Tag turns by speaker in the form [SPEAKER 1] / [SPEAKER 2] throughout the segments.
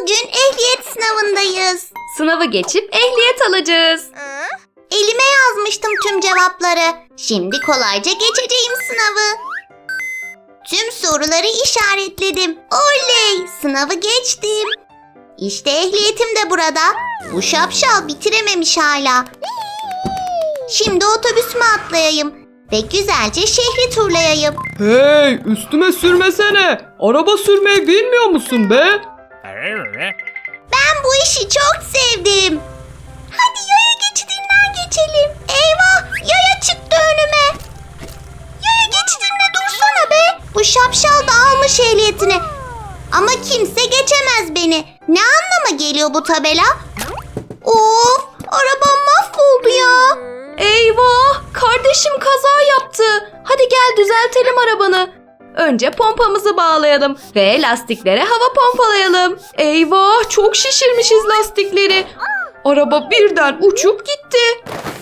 [SPEAKER 1] Bugün ehliyet sınavındayız.
[SPEAKER 2] Sınavı geçip ehliyet alacağız.
[SPEAKER 1] Elime yazmıştım tüm cevapları. Şimdi kolayca geçeceğim sınavı. Tüm soruları işaretledim. Oley! Sınavı geçtim. İşte ehliyetim de burada. Bu şapşal bitirememiş hala. Şimdi otobüsüme atlayayım ve güzelce şehri turlayayım.
[SPEAKER 3] Hey, üstüme sürmesene. Araba sürmeyi bilmiyor musun be?
[SPEAKER 1] Ben bu işi çok sevdim. Hadi yaya geçidinden geçelim. Eyvah! Yaya çıktı önüme. Yaya geçidinde dursana be. Bu şapşal da almış ehliyetini. Ama kimse geçemez beni. Ne anlama geliyor bu tabela? Of! Arabam mahvoldu ya.
[SPEAKER 2] Eyvah! Kardeşim kaza yaptı. Hadi gel düzeltelim arabanı. Önce pompamızı bağlayalım ve lastiklere hava pompalayalım. Eyvah! Çok şişirmişiz lastikleri. Araba birden uçup gitti.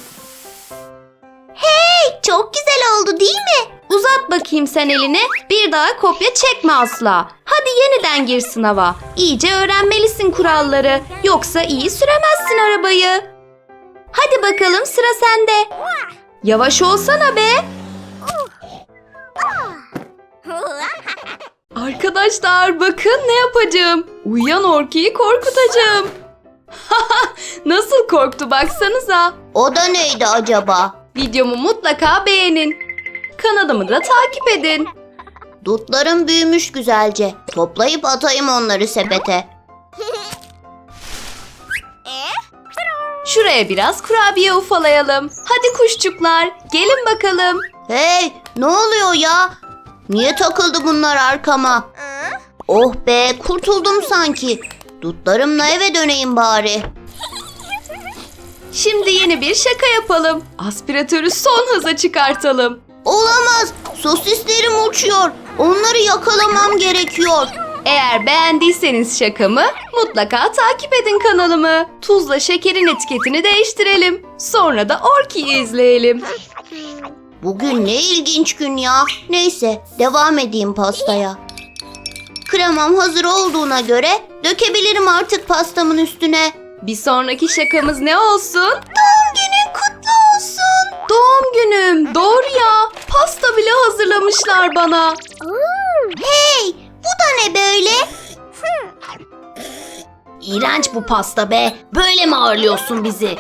[SPEAKER 1] Hey! Çok güzel oldu değil mi?
[SPEAKER 2] Uzat bakayım sen elini. Bir daha kopya çekme asla. Hadi yeniden gir sınava. İyice öğrenmelisin kuralları. Yoksa iyi süremezsin arabayı. Hadi bakalım sıra sende. Yavaş olsana be. Arkadaşlar bakın ne yapacağım. Uyuyan Orki'yi korkutacağım. Nasıl korktu baksanıza.
[SPEAKER 1] O da neydi acaba?
[SPEAKER 2] Videomu mutlaka beğenin. Kanalımı da takip edin.
[SPEAKER 1] Dutlarım büyümüş güzelce. Toplayıp atayım onları sepete.
[SPEAKER 2] Şuraya biraz kurabiye ufalayalım. Hadi kuşçuklar, gelin bakalım.
[SPEAKER 1] Hey! Ne oluyor ya? Niye takıldı bunlar arkama? Oh be! Kurtuldum sanki. Dutlarımla eve döneyim bari.
[SPEAKER 2] Şimdi yeni bir şaka yapalım. Aspiratörü son hıza çıkartalım.
[SPEAKER 1] Olamaz! Sosislerim uçuyor. Onları yakalamam gerekiyor.
[SPEAKER 2] Eğer beğendiyseniz şakamı mutlaka takip edin kanalımı. Tuzla şekerin etiketini değiştirelim. Sonra da Orki'yi izleyelim.
[SPEAKER 1] Bugün ne ilginç gün ya. Neyse, devam edeyim pastaya. Kremam hazır olduğuna göre dökebilirim artık pastamın üstüne.
[SPEAKER 2] Bir sonraki şakamız ne olsun?
[SPEAKER 1] Doğum günün kutlu olsun.
[SPEAKER 2] Doğum günüm. Doğru ya. Pasta bile hazırlamışlar bana.
[SPEAKER 1] Hey, bu da ne böyle?
[SPEAKER 2] İğrenç bu pasta be. Böyle mi ağırlıyorsun bizi?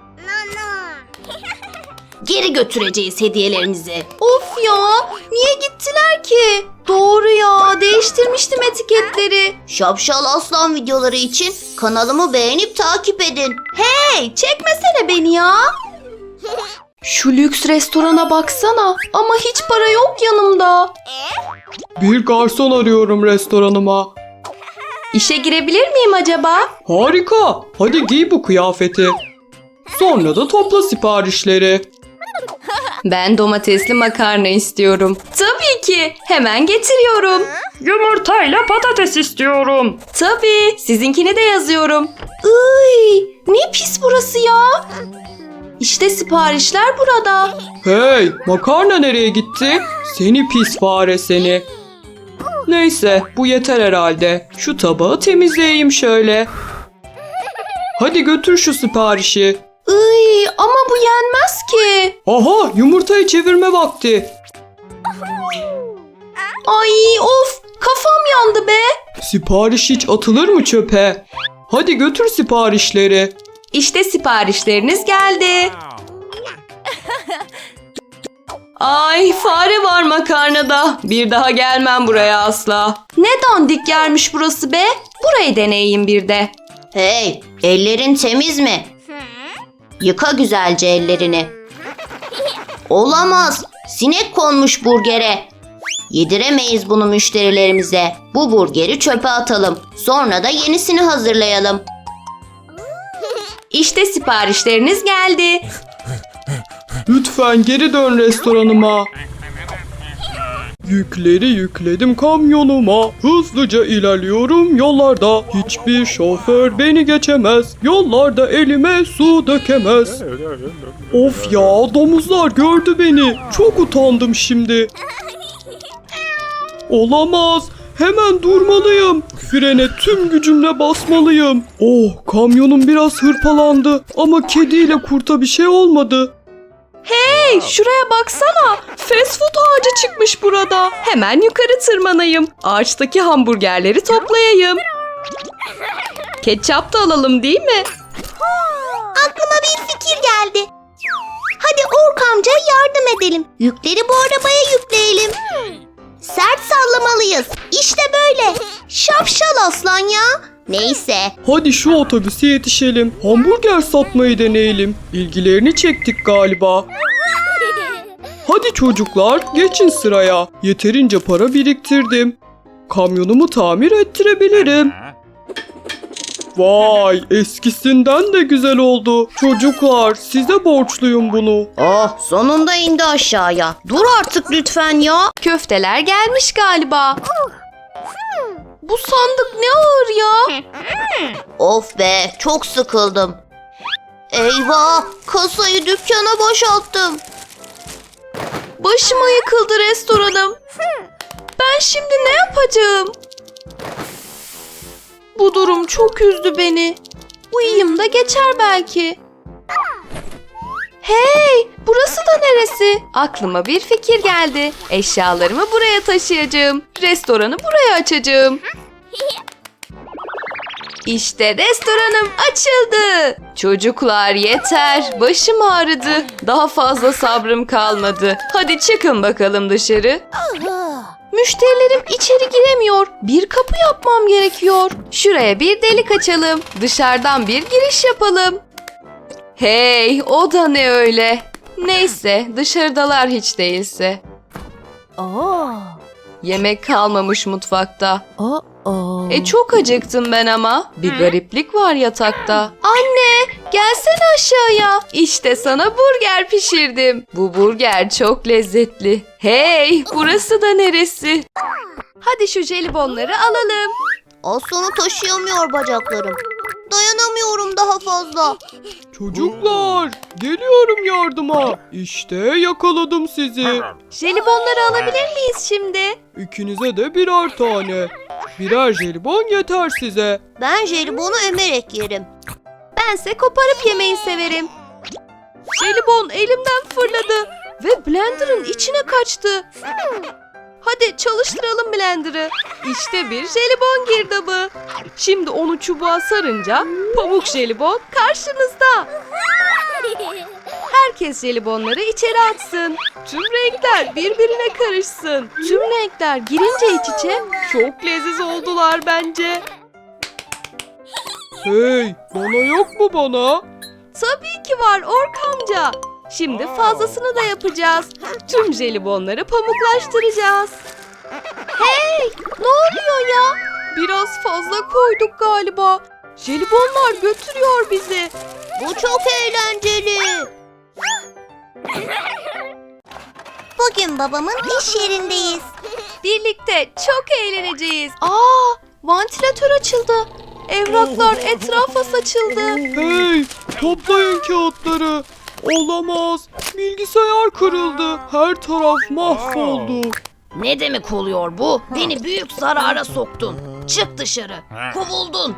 [SPEAKER 2] Geri götüreceğiz hediyelerinizi. Of ya. Niye gittiler ki? Doğru ya. Değiştirmiştim etiketleri.
[SPEAKER 1] Şapşal Aslan videoları için kanalımı beğenip takip edin.
[SPEAKER 2] Hey, çekmesene beni ya. Şu lüks restorana baksana. Ama hiç para yok yanımda.
[SPEAKER 3] Bir garson arıyorum restoranıma.
[SPEAKER 2] İşe girebilir miyim acaba?
[SPEAKER 3] Harika. Hadi giy bu kıyafeti. Sonra da topla siparişleri.
[SPEAKER 2] Ben domatesli makarna istiyorum. Tabii ki. Hemen getiriyorum.
[SPEAKER 3] Yumurtayla patates istiyorum.
[SPEAKER 2] Tabii. Sizinkini de yazıyorum. Iy, ne pis burası ya. İşte siparişler burada.
[SPEAKER 3] Hey, makarna nereye gitti? Seni pis fare seni. Neyse, bu yeter herhalde. Şu tabağı temizleyeyim şöyle. Hadi götür şu siparişi.
[SPEAKER 2] Iy, ama bu yenmez ki.
[SPEAKER 3] Aha, yumurtayı çevirme vakti.
[SPEAKER 2] Ay of, kafam yandı be.
[SPEAKER 3] Sipariş hiç atılır mı çöpe? Hadi götür siparişleri.
[SPEAKER 2] İşte siparişleriniz geldi. Ay fare var makarnada. Bir daha gelmem buraya asla. Ne dandik yermiş burası be. Burayı deneyeyim bir de.
[SPEAKER 1] Hey, ellerin temiz mi? Yıka güzelce ellerini. Olamaz. Sinek konmuş burgere. Yediremeyiz bunu müşterilerimize. Bu burgeri çöpe atalım. Sonra da yenisini hazırlayalım.
[SPEAKER 2] İşte siparişleriniz geldi.
[SPEAKER 3] Lütfen geri dön restoranıma. Yükleri yükledim kamyonuma. Hızlıca ilerliyorum yollarda. Hiçbir şoför beni geçemez. Yollarda elime su dökemez. Of ya, domuzlar gördü beni. Çok utandım şimdi. Olamaz. Hemen durmalıyım. Frene tüm gücümle basmalıyım. Oh, kamyonum biraz hırpalandı ama kediyle kurta bir şey olmadı.
[SPEAKER 2] Hey, şuraya baksana. Fast food ağacı çıkmış burada. Hemen yukarı tırmanayım. Ağaçtaki hamburgerleri toplayayım. Ketçap da alalım değil mi?
[SPEAKER 1] Aklıma bir fikir geldi. Hadi Ork amcaya yardım edelim. Yükleri bu arabaya yükleyelim. Sert sallamalıyız. İşte böyle. Şapşal aslan ya. Neyse.
[SPEAKER 3] Hadi şu otobüse yetişelim. Hamburger satmayı deneyelim. İlgilerini çektik galiba. Hadi çocuklar, geçin sıraya. Yeterince para biriktirdim. Kamyonumu tamir ettirebilirim. Vay, eskisinden de güzel oldu. Çocuklar, size borçluyum bunu.
[SPEAKER 1] Oh, sonunda indi aşağıya. Dur artık lütfen ya.
[SPEAKER 2] Köfteler gelmiş galiba. Bu sandık ne ağır ya.
[SPEAKER 1] Of be, çok sıkıldım. Eyvah, kasayı dükkana boşalttım.
[SPEAKER 2] Başıma yıkıldı restoranım. Ben şimdi ne yapacağım? Bu durum çok üzdü beni. Uyuyayım da geçer belki. Hey, burası da neresi? Aklıma bir fikir geldi. Eşyalarımı buraya taşıyacağım. Restoranı buraya açacağım. İşte restoranım açıldı. Çocuklar yeter. Başım ağrıdı. Daha fazla sabrım kalmadı. Hadi çıkın bakalım dışarı. Müşterilerim içeri giremiyor. Bir kapı yapmam gerekiyor. Şuraya bir delik açalım. Dışarıdan bir giriş yapalım. Hey, o da ne öyle? Neyse, dışarıdalar hiç değilse. Yemek kalmamış mutfakta. Çok acıktım ben ama. Bir gariplik var yatakta. Anne, gelsene aşağıya. İşte sana burger pişirdim. Bu burger çok lezzetli. Hey, burası da neresi? Hadi şu jelibonları alalım.
[SPEAKER 1] Aslanı taşıyamıyor bacaklarım. Dayanamıyorum daha fazla.
[SPEAKER 3] Çocuklar, geliyorum yardıma. İşte yakaladım sizi.
[SPEAKER 2] Jelibonları alabilir miyiz şimdi?
[SPEAKER 3] İkinize de birer tane. Birer jelibon yeter size.
[SPEAKER 1] Ben jelibonu emerek yerim.
[SPEAKER 2] Bense koparıp yemeyi severim. Jelibon elimden fırladı ve blenderın içine kaçtı. Hadi çalıştıralım blenderı. İşte bir jelibon girdabı. Şimdi onu çubuğa sarınca pamuk jelibon karşınızda. Herkes jelibonları içeri atsın. Tüm renkler birbirine karışsın. Tüm renkler girince iç içe çok leziz oldular bence.
[SPEAKER 3] Hey, bana yok mu bana?
[SPEAKER 2] Tabii ki var Ork amca. Şimdi fazlasını da yapacağız. Tüm jelibonları pamuklaştıracağız. Hey, ne oluyor ya? Biraz fazla koyduk galiba. Jelibonlar götürüyor bizi.
[SPEAKER 1] Bu çok eğlenceli. Bugün babamın iş yerindeyiz.
[SPEAKER 2] Birlikte çok eğleneceğiz. Vantilatör açıldı. Evraklar etrafa saçıldı.
[SPEAKER 3] Hey, toplayın kağıtları. Olamaz. Bilgisayar kırıldı. Her taraf mahvoldu.
[SPEAKER 4] Ne demek oluyor bu? Beni büyük zarara soktun. Çık dışarı. Kovuldun.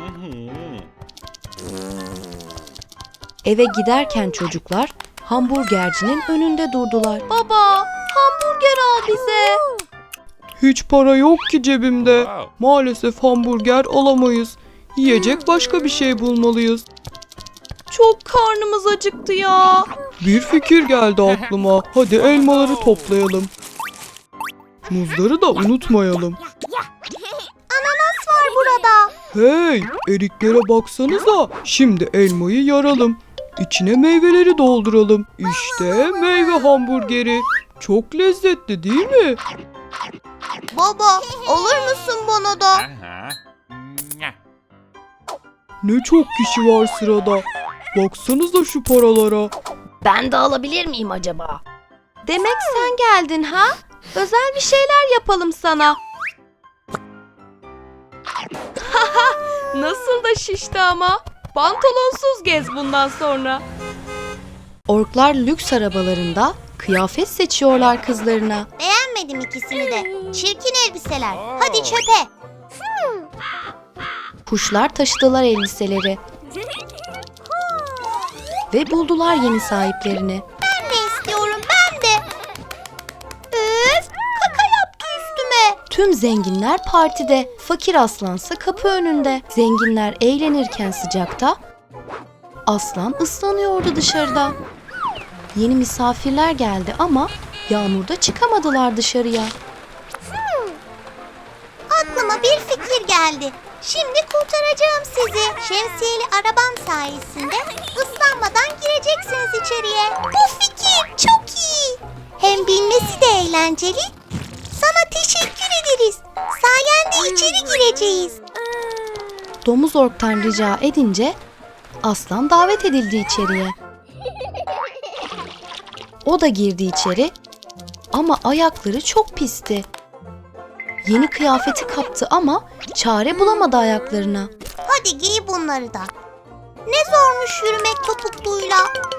[SPEAKER 2] Eve giderken çocuklar hamburgercinin önünde durdular. Baba, hamburger al bize.
[SPEAKER 3] Hiç para yok ki cebimde. Maalesef hamburger alamayız. Yiyecek başka bir şey bulmalıyız.
[SPEAKER 2] Çok karnımız acıktı ya.
[SPEAKER 3] Bir fikir geldi aklıma. Hadi elmaları toplayalım. Muzları da unutmayalım.
[SPEAKER 1] Ananas var burada.
[SPEAKER 3] Hey, eriklere baksanıza. Şimdi elmayı yaralım. İçine meyveleri dolduralım. İşte meyve hamburgeri. Çok lezzetli değil mi?
[SPEAKER 1] Baba, alır mısın bana da?
[SPEAKER 3] Ne çok kişi var sırada. Baksanıza şu paralara.
[SPEAKER 4] Ben de alabilir miyim acaba?
[SPEAKER 2] Demek sen geldin ha? Özel bir şeyler yapalım sana. Nasıl da şişti ama. Pantolonsuz gez bundan sonra. Orklar lüks arabalarında kıyafet seçiyorlar kızlarına.
[SPEAKER 1] Beğenmedin Beğenmedim ikisini de. Çirkin elbiseler. Hadi çöpe.
[SPEAKER 2] Kuşlar taşıdılar elbiseleri ve buldular yeni sahiplerini.
[SPEAKER 1] Ben de istiyorum, ben de. Üf, kaka yaptı üstüme.
[SPEAKER 2] Tüm zenginler partide, fakir aslansa kapı önünde. Zenginler eğlenirken sıcakta, aslan ıslanıyordu dışarıda. Yeni misafirler geldi ama yağmurda çıkamadılar dışarıya.
[SPEAKER 1] Aklıma bir fikir geldi. Şimdi kurtaracağım sizi. Şemsiyeli arabam sayesinde ıslanmadan gireceksiniz içeriye. Bu fikir çok iyi. Hem bilmesi de eğlenceli. Sana teşekkür ederiz. Sayende içeri gireceğiz.
[SPEAKER 2] Domuz orktan rica edince aslan davet edildi içeriye. O da girdi içeri ama ayakları çok pisti. Yeni kıyafeti kaptı ama çare bulamadı ayaklarına.
[SPEAKER 1] Hadi giy bunları da. Ne zormuş yürümek topukluyla.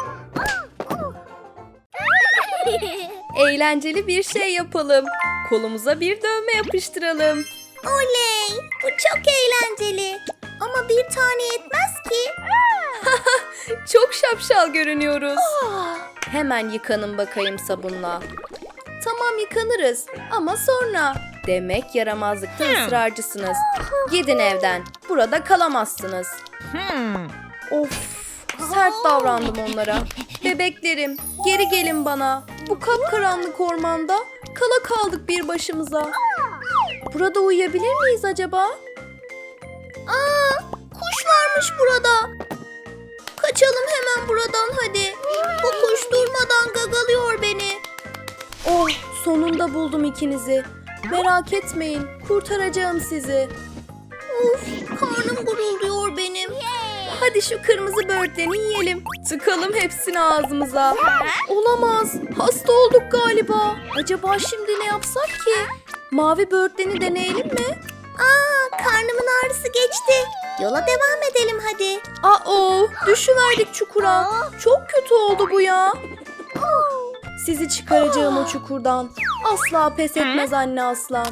[SPEAKER 2] Eğlenceli bir şey yapalım. Kolumuza bir dövme yapıştıralım.
[SPEAKER 1] Oley! Bu çok eğlenceli. Ama bir tane yetmez ki.
[SPEAKER 2] Çok şapşal görünüyoruz. Hemen yıkanın bakayım sabunla. Tamam yıkanırız ama sonra. Demek yaramazlıkta ısrarcısınız. Gidin evden. Burada kalamazsınız. Of, sert davrandım onlara. Bebeklerim, geri gelin bana. Bu kapkaranlık ormanda kala kaldık bir başımıza. Burada uyuyabilir miyiz acaba?
[SPEAKER 1] Aa, kuş varmış burada. Kaçalım hemen buradan hadi. Bu kuş durmadan gagalıyor beni.
[SPEAKER 2] Oh, sonunda buldum ikinizi. Merak etmeyin, kurtaracağım sizi.
[SPEAKER 1] Of, karnım gurulduyor benim.
[SPEAKER 2] Hadi şu kırmızı böğürtleni yiyelim. Tıkalım hepsini ağzımıza. Olamaz, hasta olduk galiba. Acaba şimdi ne yapsak ki? Mavi böğürtleni deneyelim mi?
[SPEAKER 1] Aa, karnımın ağrısı geçti. Yola devam edelim hadi.
[SPEAKER 2] Aa, düşüverdik çukura. Çok kötü oldu bu ya. Sizi çıkaracağım o çukurdan. Asla pes etmez anne aslan.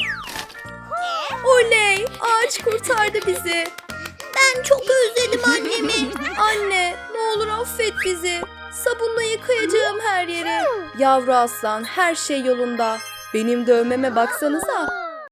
[SPEAKER 2] Oley! Ağaç kurtardı bizi.
[SPEAKER 1] Ben çok özledim annemi.
[SPEAKER 2] Anne, ne olur affet bizi. Sabunla yıkayacağım her yeri. Yavru aslan, her şey yolunda. Benim dövmeme baksanıza.